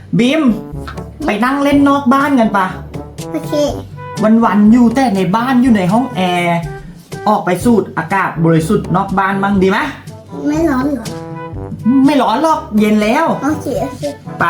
บีมไปนั่งเล่นนอกบ้านกันปะโอเควันอยู่แต่ในบ้านอยู่ในห้องแอร์ออกไปสูดอากาศบริสุทธิ์นอกบ้านมั่งดีไหมไม่ร้อนเหรอไม่ร้อนหรอกเย็นแล้วโอเคไป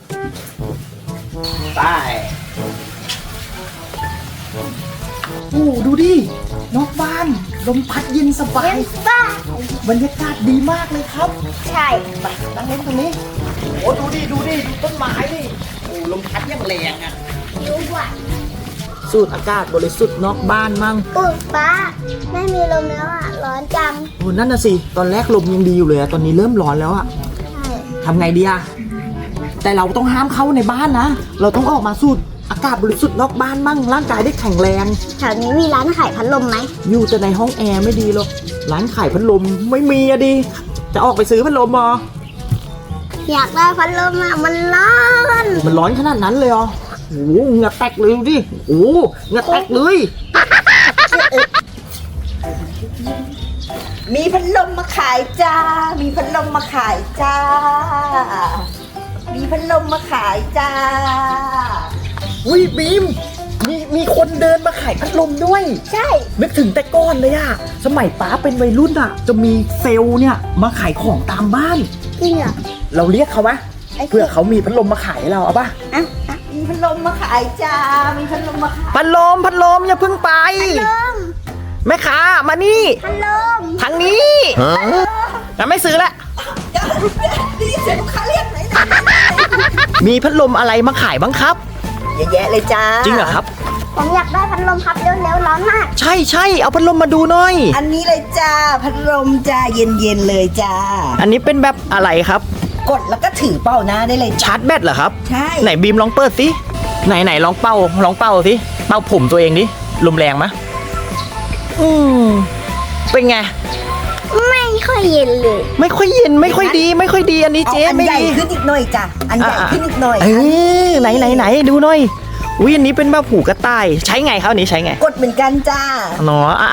โอ้ดูดินอกบ้านลมพัดเย็นสบายบรรยากาศดีมากเลยครับใช่ไปนั่งเล่นตรงนี้โอ้ดูต้นไม้ดิโอ้ลมพัดยังแรงอ่ะรู้ว่าสูดอากาศบริสุทธิ์นอกบ้านมั่งปุ๊บป้าไม่มีลมแล้วอ่ะร้อนจังโอ้นั่นน่ะสิตอนแรกลมยังดีอยู่เลยอะตอนนี้เริ่มร้อนแล้วอะใช่ทำไงดีอะแต่เราต้องห้ามเข้าในบ้านนะเราต้องออกมาสูดอากาศบริสุทธิ์นอกบ้านมั่งร่างกายได้แข็งแรงแถวนี้มีร้านขายพัดลมไหมอยู่แต่ในห้องแอร์ไม่ดีหรอกร้านขายพัดลมไม่มีอะดิจะออกไปซื้อพัดลมมาอยากได้พัดลมอ่ะมันร้อนขนาดนั้นเลยเหรอโอ้โหเหงื่อแตกเลยดิโอ้โหเหงื่อแตกเลยมีพัดลมมาขายจ้ามีพัดลมมาขายจ้ามีพัดลมมาขายจ้าอุ้ยบีมมีคนเดินมาขายพัดลมด้วยใช่นึกถึงแต่ก่อนเลยอะสมัยป้าเป็นวัยรุ่นอะจะมีเซลล์เนี่ยมาขายของตามบ้านจริงเหรอเราเรียกเขาไหมเพื่อเขามีพัดลมมาขายเราเอาป่ะมีพัดลมมาขายจ้ามีพัดลมมาขายพัดลมอย่าเพิ่งไปแม่ค้ามานี่พัดลมทางนี้แต่ไม่ซื้อละดีเสียงลูกค้าเรียกไหนมีพัดลมอะไรมาขายบ้างครับเยอะแยะเลยจ้าจริงเหรอครับผมอยากได้พัดลมครับเร็วร้อนมากใช่เอาพัดลมมาดูหน่อยอันนี้เลยจ้าพัดลมจ้าเย็นเลยจ้าอันนี้เป็นแบบอะไรครับกดแล้วก็ถือเป้าหน้าได้เลยชาร์จแบตเหรอครับใช่ไหนบีมลองเปิดสิไหนลองเป่าสิเป่าผมตัวเองดิลมแรงมะเป็นไงไม่ค่อยเย็นเลยไม่ค่อยเย็นไม่ค่อยดีอันนี้เจ๊ไม่ดีอันใหญ่ขึ้นอีกหน่อยจ้ะอันใหญ่ขึ้นอีกหน่อยไหนดูหน่อยอุ้ยอันนี้เป็นแบบหูกระต่ายใช้ไงครับอันนี้ใช้ไงกดเหมือนกันจ้าเนาะ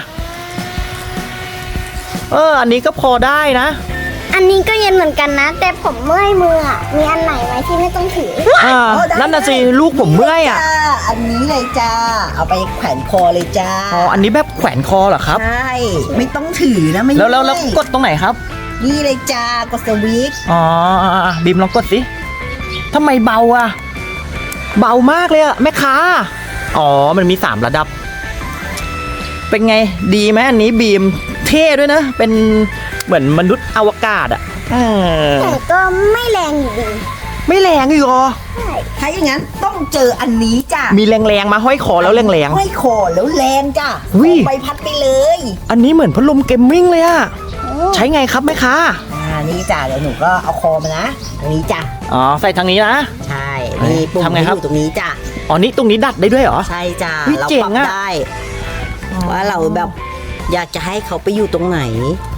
อันนี้ก็พอได้นะอันนี้ก็เย็นเหมือนกันนะแต่ผมเมื่อยมืออ่ะมีอันไหนไหมที่ไม่ต้องถือนั่นน่ะสิลูกผมเมื่อยอ่ะอันนี้เลยจ้าเอาไปแขวนคอเลยจ้าอันนี้แบบแขวนคอเหรอครับใช่ไม่ต้องถือนะไม่แล้วกดตรงไหนครับนี่เลยจ้ากดสวิตช์บีมลองกดสิทำไมเบาอ่ะเบามากเลยอ่ะแม่ค้ามันมี3ระดับเป็นไงดีไหมอันนี้บีมเท่ด้วยนะเป็นเหมือนมนุษย์อวกาศอ่ะแต่ก็ไม่แรงอยู่ดีไม่แรงอยู่หรอถ้าอย่างนั้นต้องเจออันนี้จ้ะมีแรงมาห้อยคอแล้วแรงห้อยคอแล้วแรงจ้ะไปพัดไปเลยอันนี้เหมือนพัดลมเกมมิ่งเลยอ่ะใช้ไงครับแม่ค้านี่จ้ะเดี๋ยวหนูก็เอาคอมานะตรงนี้จ้ะใส่ทางนี้นะใช่นี่ปุ่มอยู่ตรงนี้จ้ะนี่ตรงนี้ดัดได้ด้วยเหรอใช่จ้ะเราปรับได้ว่าเราแบบอยากจะให้เขาไปอยู่ตรงไหน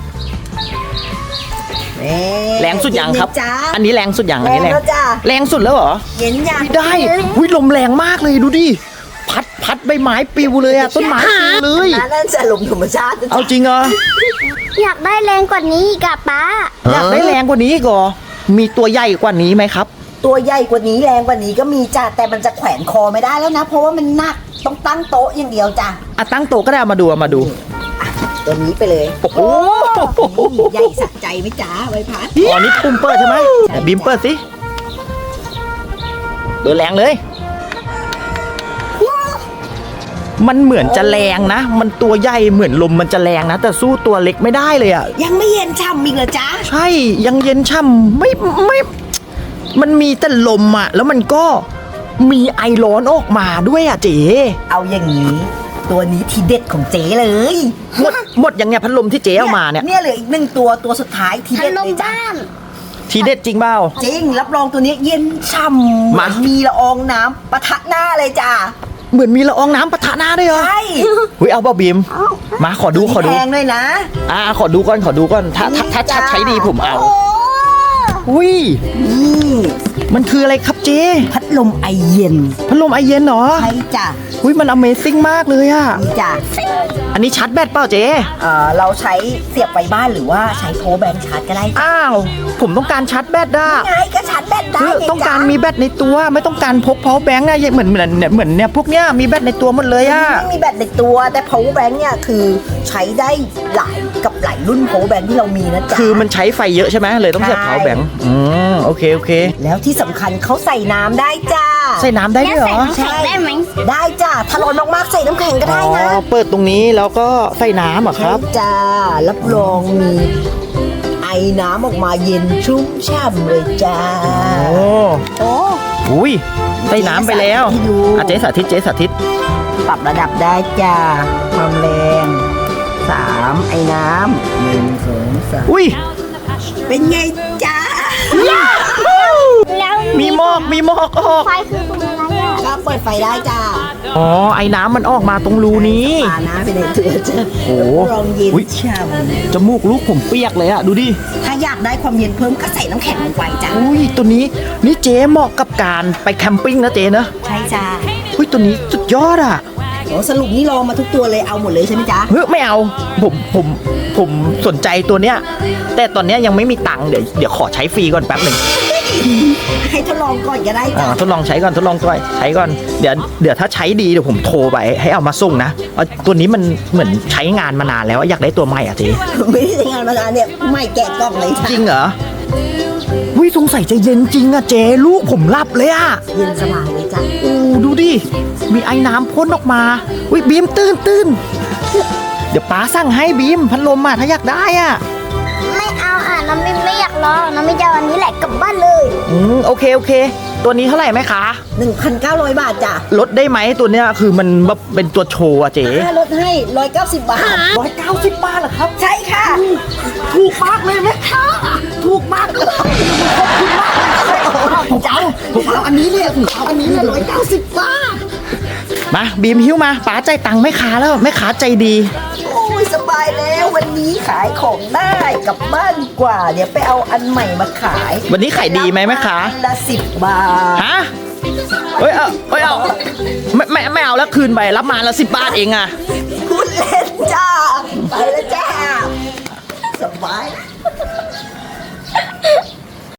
แรงสุดอย่างครับอันนี้แรงสุดอย่างอันนี้แรงสุดแล้วเหรอเย็นอย่างได้ลมแรงมากเลยดูดิพัดใบไม้ปิวเลยอะต้นไม้ปิวเลยนั่นจะลมธรรมชาติเอาจริงเหรออยากได้แรงกว่านี้อีกอะป้าอยากได้แรงกว่านี้ก็มีตัวใหญ่กว่านี้ไหมครับตัวใหญ่กว่านี้แรงกว่านี้ก็มีจ้ะแต่มันจะแขวนคอไม่ได้แล้วนะเพราะว่ามันหนักต้องตั้งโต๊ะอย่างเดียวจ้ะตั้งโต๊ะก็ได้มาดูตัวนี้ไปเลยโอ้โหใหญ่สะใจไหมจ้าใบพัดนี่ปุ่มเปิดใช่ไหมบีมเปิดสิเปิดแรงเลยมันเหมือนจะแรงนะมันตัวใหญ่เหมือนลมมันจะแรงนะแต่สู้ตัวเล็กไม่ได้เลยอ่ะยังไม่เย็นช่ำอีกเหรอจ๊ะใช่ยังเย็นช่ำไม่มันมีแต่ลมอ่ะแล้วมันก็มีไอร้อนออกมาด้วยอ่ะเจ๊เอาอย่างนี้ตัวนี้ทีเด็ดของเจ๊เลยหมดยังไงพัดลมที่เจ๊เอามาเนี่ยเหลืออีก1ตัวสุดท้ายทีเด็ดเลยจ้าทีเด็ดจริงเปล่าจริงรับรองตัวนี้เย็นช่ำมีละอองน้ำปะทะหน้าเลยจ้าเหมือนมีละอองน้ำปะทะหน้าด้วยเหรอใช่เอาเปล่าบีมมาขอดูแพงด้วยนะขอดูก่อนถ้าชัดใช้ดีผมเอามันคืออะไรครับเจ๊พัดลมไอเย็นพัดลมไอเย็นเหรอใช่จ้ะอุ้ยมัน Amazing มากเลยอะนี่จ้ะอันนี้ชาร์จแบตเปล่าเจ๊เราใช้เสียบไฟบ้านหรือว่าใช้โพลแบงชาร์จก็ได้จ้ะอ้าวผมต้องการชาร์จแบตอะไงก็ชาร์จแบตได้คือไงต้องการจ๊ะมีแบตในตัวไม่ต้องการพก power bank นะเหมือนเนี่ยพวกเนี้ยมีแบตในตัวหมดเลยอะไม่มีแบตในตัวแต่ power bank เนี่ยคือใช้ได้หลายรุ่น power bank ที่เรามีนะจ๊ะคือมันใช้ไฟเยอะใช่ไหมเลยต้องเสียบใช่ power bank โอเคโอเคแล้วที่สำคัญเขาใส่น้ำได้จ้าใส่น้ำได้แล้วด้วยเหรใส่อน้ำแข็งได้ไหมได้จ้าถ้าร้อนมากๆใส่น้ำแข็งก็ได้นะเปิดตรงนี้แล้วก็ใส่น้ำเหรอครับใช่จ้ารับรองมีไอน้ำออกมาเย็นชุ่มฉ่ำเลยจ้าโอ้โอ้อุ้ยใส่น้ำไปแล้วให้ดูเจ๊สาธิตเจ๊สาธิตปรับระดับได้จ้าความแรง3ไอ้น้ำ1 2 3 อุ้ยเป็นไงจ้าแล้วมีหมอกออกไฟคือตรงอะไรอ่ะก็เปิดไฟได้จ้าอ๋อไอ้น้ำมันออกมาตรงรูนี้ปานะไปในตัวจ้าโอ้รับรองเย็นอุ๊ยฉ่จมูกลูกผมเปียกเลยอะดูดิำถ้าอยากได้ความเย็นเพิ่มก็ใส่น้ำแข็งลงไปจ้าอุ้ยตัวนี้นี่เจ๊เหมาะกับการไปแคมปิ้งนะเจ๊นะใช่จ้าอุ้ยตัวนี้สุดยอดอะโอ้สรุปนี่ลองมาทุกตัวเลยเอาหมดเลยใช่ไหมจ๊ะเฮ้ยไม่เอาผมสนใจตัวเนี้ยแต่ตอนเนี้ยยังไม่มีตังค์เดี๋ยวขอใช้ฟรีก่อนแป๊บหนึ่งให้ทดลองก่อนก็ได้จ้ะทดลองใช้ก่อนใช้ก่อนเดี๋ยวถ้าใช้ดีเดี๋ยวผมโทรไปให้เอามาส่งนะเอาตัวนี้มันเหมือนใช้งานมานานแล้วอยากได้ตัวใหม่อ่ะเจ๊ไม่ได้ใช้งานมานานเนี่ยไม่แกะกล่องเลยจ้ะจริงเหรอวิสงสัยจะเย็นจริงอะเจ๊ลูกผมหลับเลยอะเย็นสบายเลยจ้ะอู้ดูดิมีไอ้น้ำพ่นออกมาวิบีมตื่นเดี๋ยวป้าสั่งให้บีมพัดลมอะถ้าอยากได้อะไม่เอาอ่ะน้ำไม่อยากรอน้ำไม่จะเอาอันนี้แหละกลับบ้านเลยโอเคตัวนี้เท่าไหร่ไหมคะ 1,900 บาทจ้ะลดได้ไหมตัวเนี้ยคือมันแบบเป็นตัวโชว์อะเจ๊ลดให้190 บาท 190 บาทเหรอครับใช่ค่ะถูกมากเลยไหมคะถูกมากเลยผมเอาอันนี้เลยผมเอาอันนี้เลย190 บาทมาบีมหิ้วมาป๋าใจายตังค์แม่ค้าแล้วแม่ค้าใจดีโอ้ยสบายแล้ววันนี้ขายของได้กลับบ้านดีกว่า เดี๋ยวไปเอาอันใหม่มาขายวันนี้ขายดีไหมแม่ค้าอันละ10 บาทฮะเฮ้ยเอาไม่เอาแล้วคืนไปรับมาละ10 บาทเองอะพูดเล่นจ้า ไปแล้วจ้า สบาย